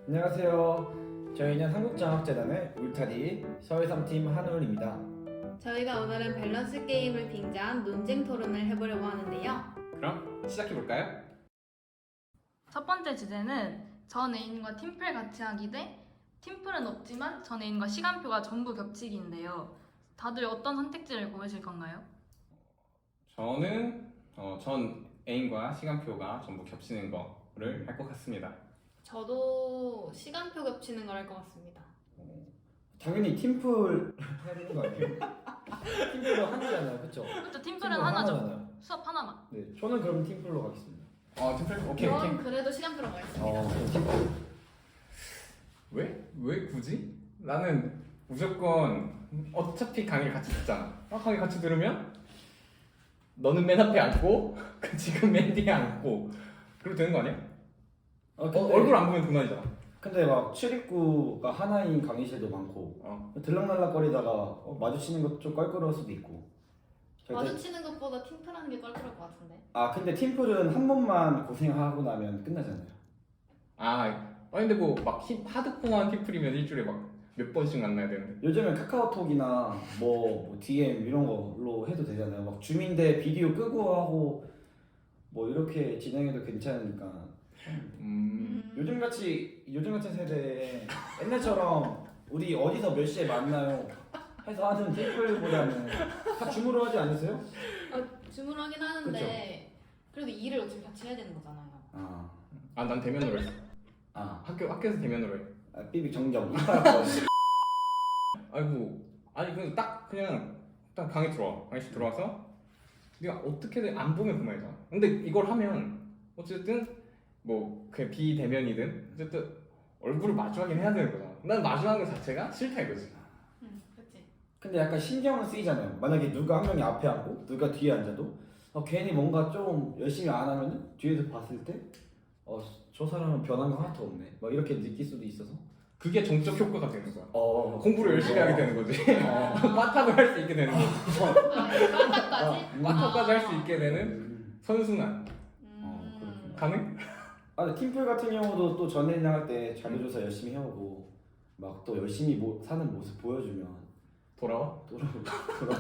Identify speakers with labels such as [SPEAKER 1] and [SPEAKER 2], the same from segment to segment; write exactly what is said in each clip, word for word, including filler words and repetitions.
[SPEAKER 1] 안녕하세요. 저희는 한국장학재단의 울타리 서해삼 팀 한울입니다.
[SPEAKER 2] 저희가 오늘은 밸런스 게임을 빙자한 논쟁 토론을 해보려고 하는데요.
[SPEAKER 3] 그럼 시작해볼까요?
[SPEAKER 4] 첫 번째 주제는 전 애인과 팀플 같이 하기 대 팀플은 없지만 전 애인과 시간표가 전부 겹치기인데요. 다들 어떤 선택지를 고르실 건가요?
[SPEAKER 3] 저는 어, 전 애인과 시간표가 전부 겹치는 거를 할 것 같습니다.
[SPEAKER 2] 저도 시간표 겹치는 걸 할 것 같습니다.
[SPEAKER 1] 당연히 팀플 해야 되는 거 아니에요? 팀플로 하나잖아요, 그렇죠?
[SPEAKER 4] 그렇죠, 팀플은 하나죠.
[SPEAKER 1] 하나잖아요.
[SPEAKER 4] 수업 하나만.
[SPEAKER 1] 네, 저는 그럼 팀플로 가겠습니다.
[SPEAKER 3] 어, 팀플 오케이 오케이.
[SPEAKER 2] 그럼 그래도 시간표로 가겠습니다.
[SPEAKER 1] 어, 그럼 팀플.
[SPEAKER 3] 왜? 왜 굳이? 나는 무조건 어차피 강의를 같이 듣잖아. 어, 강의 같이 들으면 너는 맨 앞에 앉고 지금 맨 뒤에 앉고 그러면 되는 거 아니야?
[SPEAKER 1] 어,
[SPEAKER 3] 어,
[SPEAKER 1] 근데,
[SPEAKER 3] 얼굴 안 보면 그만이잖아.
[SPEAKER 1] 근데 막 출입구가 하나인 강의실도 많고
[SPEAKER 3] 어.
[SPEAKER 1] 들락날락거리다가 어, 마주치는 것도 좀 껄끄러울 수도 있고. 절대-
[SPEAKER 2] 마주치는 것보다 팀플하는 게 껄끄러울 것 같은데.
[SPEAKER 1] 아 근데 팀플은 한 번만 고생하고 나면 끝나잖아요.
[SPEAKER 3] 아, 아니 근데 뭐 막 하드코어한 팀플이면 일주일에 막 몇 번씩 만나야 되는데.
[SPEAKER 1] 요즘엔 카카오톡이나 뭐, 뭐 디엠 이런 걸로 해도 되잖아요. 막 줌인데 비디오 끄고 하고 뭐 이렇게 진행해도 괜찮으니까.
[SPEAKER 3] 음.
[SPEAKER 1] 요즘 같이 요즘 같은 세대에 옛날처럼 우리 어디서 몇 시에 만나요 해서 하는 팀플보다는 다 줌으로 하지 않으세요?
[SPEAKER 2] 아, 줌으로 하긴 하는데 그래도 일을 어차피 같이 해야 되는 거잖아요.
[SPEAKER 1] 아,
[SPEAKER 3] 아, 난 대면으로 했어.
[SPEAKER 1] 아,
[SPEAKER 3] 학교 학교에서 대면으로 해.
[SPEAKER 1] 아 삐빅 정정 이빨
[SPEAKER 3] 아이고, 아니 그냥 딱 그냥 딱 강의 들어와. 강의실 들어와서 네가 어떻게든 안 보면 그만이잖아. 근데 이걸 하면 어쨌든 뭐 그냥 비대면이든 어쨌든 얼굴을 마주하긴 해야 되는 거잖아. 난 마주하는 것 자체가 싫다 이거지.
[SPEAKER 2] 응, 그렇지.
[SPEAKER 1] 근데 약간 신경은 쓰이잖아요. 만약에 누가 한 명이 앞에 앉고 누가 뒤에 앉아도 어, 괜히 뭔가 좀 열심히 안 하면 뒤에서 봤을 때 어, 저 사람은 변한 거 하나도 없네 막 이렇게 느낄 수도 있어서
[SPEAKER 3] 그게 정적 효과가 되는 거야.
[SPEAKER 1] 어,
[SPEAKER 3] 공부를 열심히 하게 되는 거지.
[SPEAKER 1] 어.
[SPEAKER 3] 빠탑을 할 수 있게 되는 거지.
[SPEAKER 2] 아, 깜짝까지?
[SPEAKER 3] 빠탑까지 할 수 있게 되는
[SPEAKER 1] 음.
[SPEAKER 3] 선순환.
[SPEAKER 1] 어, 그렇구나.
[SPEAKER 2] 음.
[SPEAKER 3] 가능?
[SPEAKER 1] 아, 근데 팀플 같은 경우도 또 전에랑 할 때 자료조사 열심히 해오고 막 또 열심히 모, 사는 모습 보여주면
[SPEAKER 3] 돌아와?
[SPEAKER 1] 돌아 돌아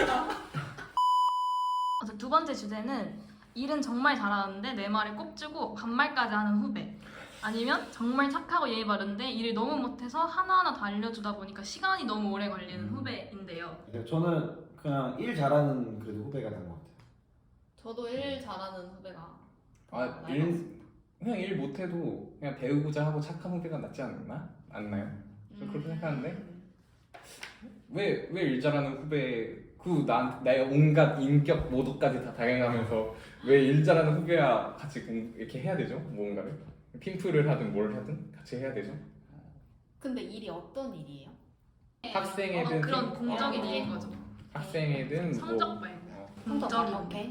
[SPEAKER 4] 그래서 두 번째 주제는 일은 정말 잘하는데 내 말에 꼽주고 반말까지 하는 후배. 아니면 정말 착하고 예의 바른데 일을 너무 못해서 하나하나 다 알려주다 보니까 시간이 너무 오래 걸리는
[SPEAKER 1] 음.
[SPEAKER 4] 후배인데요.
[SPEAKER 1] 저는 그냥 일 잘하는 그래도 후배가 나은 것 같아요.
[SPEAKER 2] 저도 일 잘하는 후배가.
[SPEAKER 3] 아,
[SPEAKER 2] 나은
[SPEAKER 3] 일
[SPEAKER 2] 것 같습니다.
[SPEAKER 3] 그냥 일 못해도 그냥 배우고자 하고 착한 후배가 낫지 않나? 않나요? 저 그렇게 생각하는데?
[SPEAKER 2] 음.
[SPEAKER 3] 왜 왜 일 잘하는 후배 그 나, 나의 온갖 인격 모두까지 다 다양하면서 왜 일 잘하는 후배와 같이 공- 이렇게 해야 되죠? 뭔가를 팀플을 하든 뭘 하든 같이 해야 되죠?
[SPEAKER 2] 근데 일이 어떤 일이에요?
[SPEAKER 3] 학생애든
[SPEAKER 4] 어, 그런
[SPEAKER 3] 팀-
[SPEAKER 4] 공적인
[SPEAKER 3] 어,
[SPEAKER 4] 일인 거죠.
[SPEAKER 3] 학생이든
[SPEAKER 4] 성적
[SPEAKER 3] 뭐
[SPEAKER 4] 말고.
[SPEAKER 3] 어,
[SPEAKER 4] 공적인
[SPEAKER 2] 아, 오케이.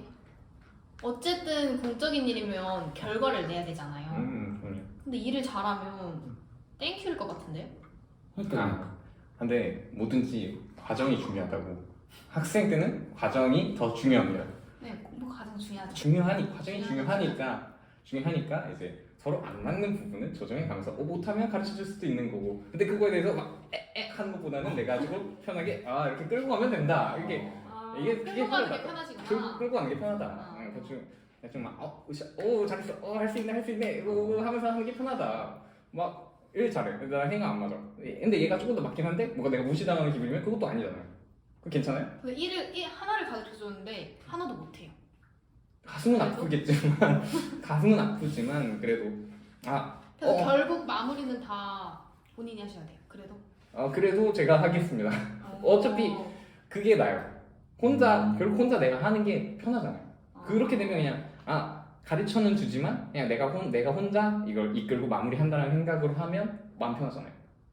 [SPEAKER 2] 어쨌든 공적인 일이면 결과를 내야 되잖아요.
[SPEAKER 3] 음, 그럼요.
[SPEAKER 2] 근데 일을 잘하면 땡큐일 것 같은데요?
[SPEAKER 1] 그러니까
[SPEAKER 3] 아, 근데 뭐든지 과정이 중요하다고. 학생 때는 과정이 더 중요합니다.
[SPEAKER 2] 네, 공부가 가장 중요하죠.
[SPEAKER 3] 중요하니 과정이 중요하니까 중요하니까 이제 서로 안 맞는 부분을 조정해 가면서 어 못하면 가르쳐 줄 수도 있는 거고. 근데 그거에 대해서 막 에에 하는 것보다는 내가 가지고 편하게 아 이렇게 끌고 가면 된다. 이게
[SPEAKER 2] 아,
[SPEAKER 3] 이게 그게
[SPEAKER 2] 끌고 가는 게
[SPEAKER 3] 편하다.
[SPEAKER 2] 편하시구나.
[SPEAKER 3] 끌- 끌고 가는 게 편하다.
[SPEAKER 2] 아.
[SPEAKER 3] 응, 대충 대충 막어 오 잘했어. 어할 수 있네 할 수 있네. 이거 하면서 하는 게 편하다. 막 일 잘해. 나 행위 안 맞아. 근데 얘가 조금 더 맞긴 한데 뭔가 내가 무시당하는 기분이면 그것도 아니잖아요. 그 괜찮아요?
[SPEAKER 2] 근데 일을 일 하나를 가르쳐 줬는데 하나도 못해요.
[SPEAKER 3] 가슴은 아프겠지만 가슴은 아프지만 그래도 아
[SPEAKER 2] 그래서
[SPEAKER 3] 어.
[SPEAKER 2] 결국 마무리는 다 본인이 하셔야 돼요. 그래도.
[SPEAKER 3] 어, 그래도 제가 하겠습니다. 어차피
[SPEAKER 2] 어.
[SPEAKER 3] 그게 나요. 혼자
[SPEAKER 1] 음.
[SPEAKER 3] 결국 혼자 내가 하는 게 편하잖아요.
[SPEAKER 2] 아.
[SPEAKER 3] 그렇게 되면 그냥 아 가르쳐는 주지만 그냥 내가 혼 내가 혼자 이걸 이끌고 마무리한다는 생각으로 하면 마음 편하잖아요.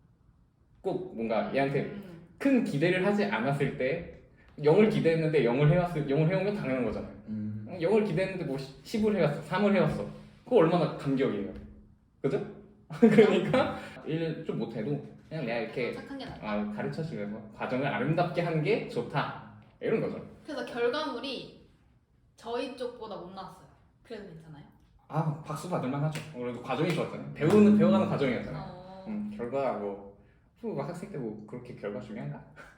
[SPEAKER 3] 꼭 뭔가 얘한테
[SPEAKER 2] 음.
[SPEAKER 3] 큰 기대를 하지 않았을 때 영을 기대했는데 영을 해왔을 영을 해오면 당연한 거잖아요.
[SPEAKER 1] 음.
[SPEAKER 3] 영을 기대했는데 뭐 십을 해왔어, 삼을 해왔어. 그거 얼마나 감격이에요. 그죠? 그러니까 일 좀 못해도 그냥 내가 이렇게
[SPEAKER 2] 착한 게 낫다.
[SPEAKER 3] 아, 가르쳐주면서 과정을 아름답게 하는 게 좋다 이런 거죠.
[SPEAKER 2] 그래서 결과물이 저희 쪽보다 못 나왔어요. 그래도 괜찮아요?
[SPEAKER 3] 아 박수 받을만 하죠. 그래도 과정이 좋았잖아요. 배우는 배워가는 과정이었잖아요.
[SPEAKER 2] 어.
[SPEAKER 3] 음, 결과 뭐 후, 학생 때 뭐 그렇게 결과 중요한가?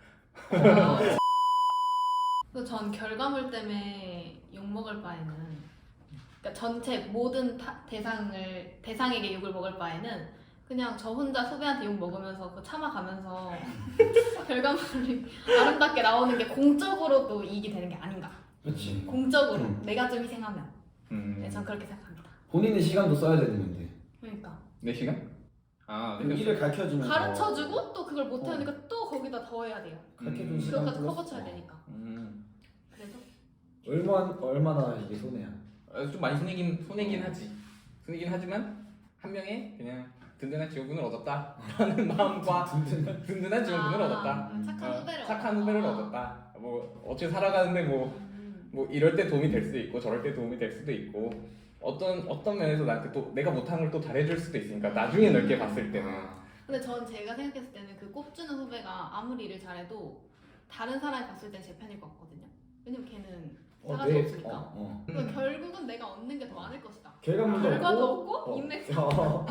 [SPEAKER 2] 그전 결과물 때문에 욕 먹을 바에는, 그러니까 전체 모든 타, 대상을 대상에게 욕을 먹을 바에는 그냥 저 혼자 후배한테 욕 먹으면서 그 참아가면서 결과물이 아름답게 나오는 게 공적으로도 이익이 되는 게 아닌가.
[SPEAKER 1] 그렇지.
[SPEAKER 2] 공적으로
[SPEAKER 1] 음.
[SPEAKER 2] 내가 좀 희생하면.
[SPEAKER 3] 음,
[SPEAKER 2] 네, 전 그렇게 생각합니다.
[SPEAKER 1] 본인의 시간도 써야 되는 건데.
[SPEAKER 2] 그러니까
[SPEAKER 3] 네 시간? 아,
[SPEAKER 1] 그
[SPEAKER 3] 네
[SPEAKER 1] 일을 가르쳐주면
[SPEAKER 2] 가르쳐주고 또 그걸 못하니까 또 거기다 더 해야 돼요.
[SPEAKER 1] 가르쳐준
[SPEAKER 3] 음.
[SPEAKER 1] 시간
[SPEAKER 2] 그것까지
[SPEAKER 1] 플러스
[SPEAKER 2] 커버 쳐야 되니까.
[SPEAKER 3] 음,
[SPEAKER 2] 그래서
[SPEAKER 1] 얼마 얼마나 이게 손해야.
[SPEAKER 3] 어, 좀 많이 손해긴 손해긴 하지. 손해긴 하지만 한 명의 그냥 든든한 지원군을 얻었다라는 마음과
[SPEAKER 1] 든든한.
[SPEAKER 3] 든든한 지원군을
[SPEAKER 2] 아,
[SPEAKER 3] 얻었다.
[SPEAKER 2] 음, 착한
[SPEAKER 3] 어,
[SPEAKER 2] 후배를
[SPEAKER 3] 착한
[SPEAKER 2] 얻었다.
[SPEAKER 3] 후배를 얻었다. 뭐 어떻게 살아가는데 뭐
[SPEAKER 2] 음.
[SPEAKER 3] 뭐 이럴 때 도움이 될 수도 있고 저럴 때 도움이 될 수도 있고 어떤 어떤 면에서 나한테 또 내가 못한 걸 또 잘해줄 수도 있으니까 나중에 넓게 봤을 때는
[SPEAKER 2] 근데 전 제가 생각했을 때는 그 꼽주는 후배가 아무리 일을 잘해도 다른 사람이 봤을 땐 제 편일 것 같거든요. 왜냐면 걔는 싸가지
[SPEAKER 1] 내-
[SPEAKER 2] 없으니까.
[SPEAKER 1] 어, 어.
[SPEAKER 2] 그러니까 결국은 내가 얻는 게 더 많을 것이다.
[SPEAKER 1] 결과물도
[SPEAKER 2] 결과도
[SPEAKER 1] 없고,
[SPEAKER 2] 없고
[SPEAKER 1] 어.
[SPEAKER 2] 인맥
[SPEAKER 1] 어.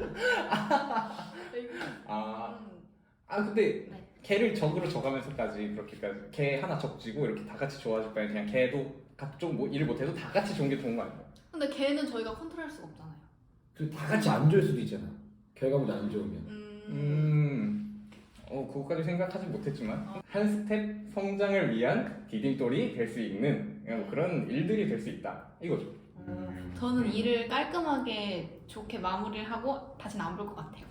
[SPEAKER 3] 아,
[SPEAKER 2] 음,
[SPEAKER 3] 아 근데
[SPEAKER 2] 네.
[SPEAKER 3] 걔를 적으로 적으면서까지 그렇게까지 걔 하나 적지고 이렇게 다 같이 좋아질 바에 그냥 걔도 각종 뭐 일을 못해도 다 같이 좋은 게 좋은 거 아니에요?
[SPEAKER 2] 근데 걔는 저희가 컨트롤할 수가 없잖아요.
[SPEAKER 1] 그리고 다 같이 안 좋을 수도 있잖아. 결과물이 안 좋으면.
[SPEAKER 2] 음,
[SPEAKER 3] 음, 어 그거까지 생각하지 못했지만 한 스텝 성장을 위한 디딤돌이 될 수 있는 그냥 그런 일들이 될 수 있다 이거죠.
[SPEAKER 2] 음, 저는 일을 깔끔하게 좋게 마무리를 하고 다시는 안 볼 것 같아요.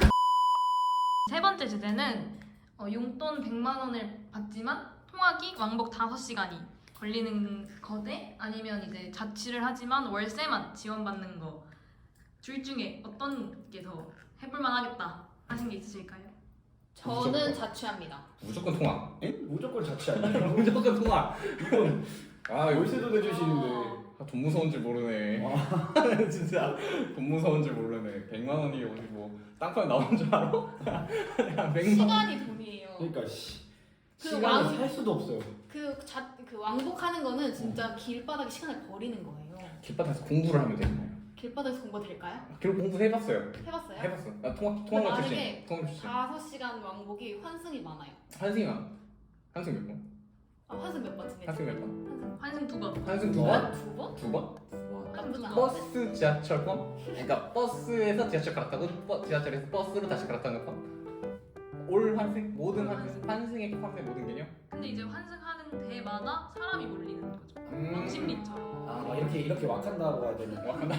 [SPEAKER 4] 세 번째 주제는 어, 용돈 백만 원을 받지만 통학이 왕복 다섯 시간이 걸리는 거대 아니면 이제 자취를 하지만 월세만 지원받는 거 둘 중에 어떤 게 더 해볼만 하겠다 하신 게 있으실까요?
[SPEAKER 2] 저는
[SPEAKER 3] 무조건.
[SPEAKER 2] 자취합니다.
[SPEAKER 3] 무조건 통학.
[SPEAKER 1] 에? 무조건 자취 아니에요?
[SPEAKER 3] 무조건 통학.
[SPEAKER 1] 이건
[SPEAKER 3] 아
[SPEAKER 1] 월세도 내주시는데.
[SPEAKER 2] 어,
[SPEAKER 3] 아, 돈 무서운 줄 모르네. 진짜 돈 무서운 줄 모르네. 백만 원이 어디 뭐 땅파에 나오는 줄 알아? 야, 백만 원.
[SPEAKER 2] 시간이 돈이에요.
[SPEAKER 1] 그러니까 씨.
[SPEAKER 2] 그
[SPEAKER 1] 시간을
[SPEAKER 2] 왕-
[SPEAKER 1] 살 수도 없어요.
[SPEAKER 2] 그, 자, 그 왕복하는 거는 진짜 길바닥에 시간을 버리는 거예요.
[SPEAKER 3] 길바닥에서 공부를 하면 되잖아요.
[SPEAKER 2] 길바닥에서 공부 될까요?
[SPEAKER 3] 결국 공부 해봤어요.
[SPEAKER 2] 해봤어요?
[SPEAKER 3] 해봤어. 나 통학
[SPEAKER 2] 근데
[SPEAKER 3] 통학을
[SPEAKER 2] 만약에
[SPEAKER 3] 출신. 통학을 출신.
[SPEAKER 2] 다섯 시간 왕복이 환승이 많아요.
[SPEAKER 3] 한승이만. 한승 몇 번?
[SPEAKER 2] 아, 환승 몇 번 지냈죠?
[SPEAKER 3] 한승 몇 번?
[SPEAKER 2] 환승
[SPEAKER 4] 환승 두 번.
[SPEAKER 3] 한승 두
[SPEAKER 1] 뭐?
[SPEAKER 3] 번?
[SPEAKER 2] 두 번?
[SPEAKER 3] 두 번?
[SPEAKER 1] 와.
[SPEAKER 2] 나쁘지 않아.
[SPEAKER 3] 버스 지하철 권? 그러니까 버스에서 지하철 갈아타고 버, 지하철에서 버스로 다시 갈아타는 권? 올 환승? 모든 환승? 환승의 환승의 모든 개념?
[SPEAKER 4] 근데 이제 환승하는 데마다 사람이 몰리는 거죠.
[SPEAKER 3] 음.
[SPEAKER 4] 왕십리처럼.
[SPEAKER 1] 아, 막 이렇게 이렇게 와칸다고 해야 되는.
[SPEAKER 3] 와칸다.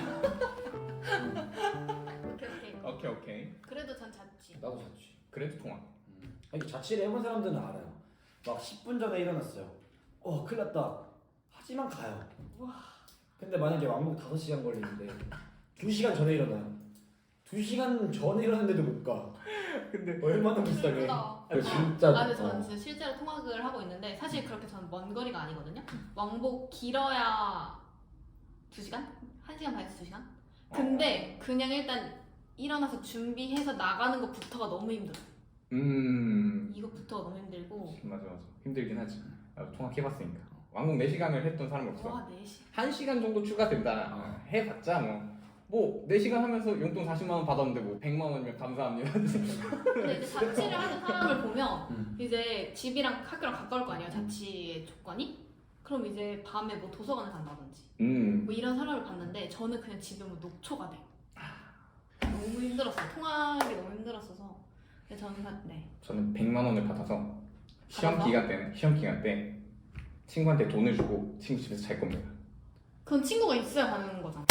[SPEAKER 2] 오케이 오케이.
[SPEAKER 3] 오케이 오케이.
[SPEAKER 2] 그래도 전 자취.
[SPEAKER 1] 나도 자취.
[SPEAKER 3] 그래도 통학.
[SPEAKER 1] 음. 아니, 자취를 해본 사람들은 알아요. 막 십 분 전에 일어났어요. 어, 큰일 났다. 하지만 가요.
[SPEAKER 2] 와.
[SPEAKER 1] 근데 만약에 왕복 다섯 시간 걸리는데 두 시간 전에 일어나요. 두 시간 전에 일어났는데도 못 가.
[SPEAKER 3] 근데
[SPEAKER 1] 얼마나 불쌍해.
[SPEAKER 2] 그러다.
[SPEAKER 1] 그 진짜.
[SPEAKER 2] 아, 근데 저는
[SPEAKER 1] 어.
[SPEAKER 2] 진짜 실제로 통학을 하고 있는데 사실 그렇게 저는 먼 거리가 아니거든요. 왕복 길어야 두 시간? 한 시간 반에서 두 시간? 근데 그냥 일단 일어나서 준비해서 나가는 것부터가 너무 힘들어.
[SPEAKER 3] 음
[SPEAKER 2] 이것부터가 너무 힘들고.
[SPEAKER 3] 맞아 맞아 힘들긴 하지. 나도 통학 해봤으니까. 왕복 네 시간을 했던 사람이 없어.
[SPEAKER 2] 와, 네 시.
[SPEAKER 3] 한 시간 정도 추가된다.
[SPEAKER 1] 어.
[SPEAKER 3] 해봤자 뭐. 뭐 네 시간 하면서 용돈 사십만 원 받았는데 뭐 백만 원이면 감사합니다.
[SPEAKER 2] 근데 이제 자취를 하는 사람을 보면
[SPEAKER 1] 음.
[SPEAKER 2] 이제 집이랑 학교랑 가까울 거 아니에요. 자취의 조건이. 그럼 이제 밤에 뭐 도서관을 간다든지
[SPEAKER 3] 음.
[SPEAKER 2] 뭐 이런 사람을 봤는데 저는 그냥 집에 뭐 녹초가 돼요. 너무 힘들었어요. 통학이 너무 힘들었어서. 근데 저는 사- 네.
[SPEAKER 3] 저는 백만 원을 받아서 시험
[SPEAKER 2] 받아서?
[SPEAKER 3] 기간 때는 시험 기간 때 친구한테 돈을 주고 친구 집에서 잘 겁니다.
[SPEAKER 2] 그건 친구가 있어야 가는 거잖아.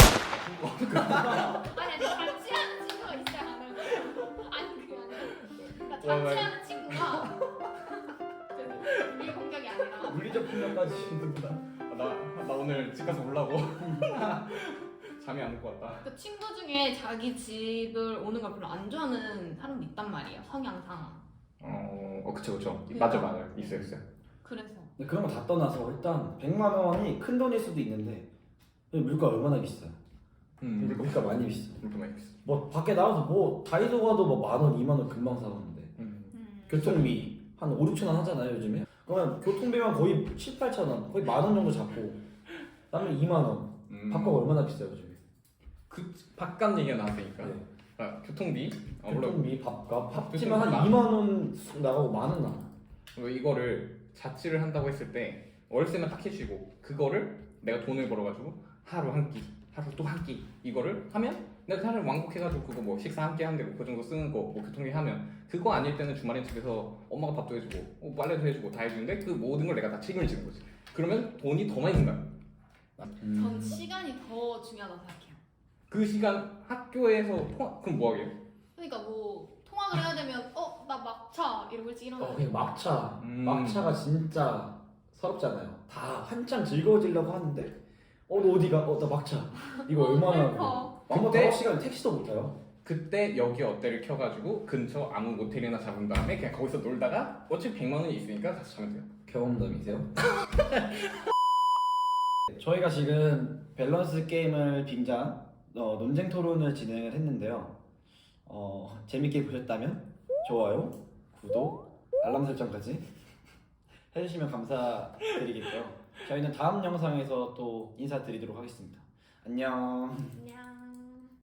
[SPEAKER 2] 아니 아니 자취하는 친구가 있어야 가는 거. 아니 그게 아니라 그러니까
[SPEAKER 3] 와,
[SPEAKER 2] 자취하는 친구가 그 공격이 아니라
[SPEAKER 1] 물리적 폭력까지 있는구나.
[SPEAKER 3] 아, 나, 나 오늘 집 가서 울라고. 잠이 안 올 것 같다.
[SPEAKER 2] 그 친구 중에 자기 집을 오는 걸 별로 안 좋아하는 사람도 있단 말이에요. 성향상.
[SPEAKER 3] 어, 어 그쵸 그쵸. 맞아 맞아. 있어요 있어요.
[SPEAKER 2] 그래서
[SPEAKER 1] 근데 그런 거 다 떠나서 일단 백만 원이 큰 돈일 수도 있는데 물가 얼마나 비싸요?
[SPEAKER 3] 음.
[SPEAKER 1] 물가 많이 비싸.
[SPEAKER 3] 이렇게 많이 있어.
[SPEAKER 1] 뭐 밖에 나가서 뭐 다이소 가도 뭐 만 원, 이만 원 금방 사가는데
[SPEAKER 3] 음.
[SPEAKER 2] 음.
[SPEAKER 1] 교통비 한 오, 육천 원 하잖아요 요즘에. 그러면 교통비만 거의 칠, 팔천 원, 거의 만 원 정도 잡고 그다음에 이만 원.
[SPEAKER 3] 음.
[SPEAKER 1] 밥값 얼마나 비싸요 요즘에?
[SPEAKER 3] 그 밥값 얘기가 나왔으니까
[SPEAKER 1] 네.
[SPEAKER 3] 아, 교통비 아, 물론
[SPEAKER 1] 교통비, 밥값,
[SPEAKER 3] 교통비
[SPEAKER 1] 합치면 한
[SPEAKER 3] 만-
[SPEAKER 1] 이만 원 나가고 만 원 나가.
[SPEAKER 3] 뭐 이거를 자취를 한다고 했을 때 월세만 딱 해주고 그거를 내가 돈을 벌어가지고 하루 한 끼, 하루 또 한 끼 이거를 하면 내가 차라리 왕복해가지고 그거 뭐 식사 한 끼 하는데 뭐 그 정도 쓰는 거 뭐 교통비 하면 그거 아닐 때는 주말에 집에서 엄마가 밥도 해주고 어, 빨래도 해주고 다 해주는데 그 모든 걸 내가 다 책임을 지는 거지. 그러면 돈이 더 많이 든다.
[SPEAKER 1] 음.
[SPEAKER 2] 전 시간이 더 중요하다고 생각해요.
[SPEAKER 3] 그 시간 학교에서 통화 그럼 뭐 하게요?
[SPEAKER 2] 그러니까 뭐 통학을 해야 되면 어 나 막차 이러고 일찍 일어나야
[SPEAKER 1] 어,
[SPEAKER 2] 돼.
[SPEAKER 1] 그냥 막차.
[SPEAKER 3] 음.
[SPEAKER 1] 막차가 진짜 서럽잖아요. 다 한창 즐거워지려고 하는데 어, 너 어디가? 어, 나 막차. 이거
[SPEAKER 2] 어,
[SPEAKER 1] 얼마나
[SPEAKER 2] 슬퍼.
[SPEAKER 1] 왕복
[SPEAKER 3] 그때-
[SPEAKER 1] 다섯 시간 택시도 못 타요.
[SPEAKER 3] 그때 여기 어때를 켜가지고 근처 아무 모텔이나 잡은 다음에 그냥 거기서 놀다가 어차피 백만 원이 있으니까 다시 자면 돼요.
[SPEAKER 1] 경험담이세요? 저희가 지금 밸런스 게임을 빙자한 어, 논쟁 토론을 진행을 했는데요. 어, 재밌게 보셨다면 좋아요, 구독, 알람 설정까지 해주시면 감사드리겠고요. 저희는 다음 영상에서 또 인사드리도록 하겠습니다. 안녕.
[SPEAKER 2] 안녕.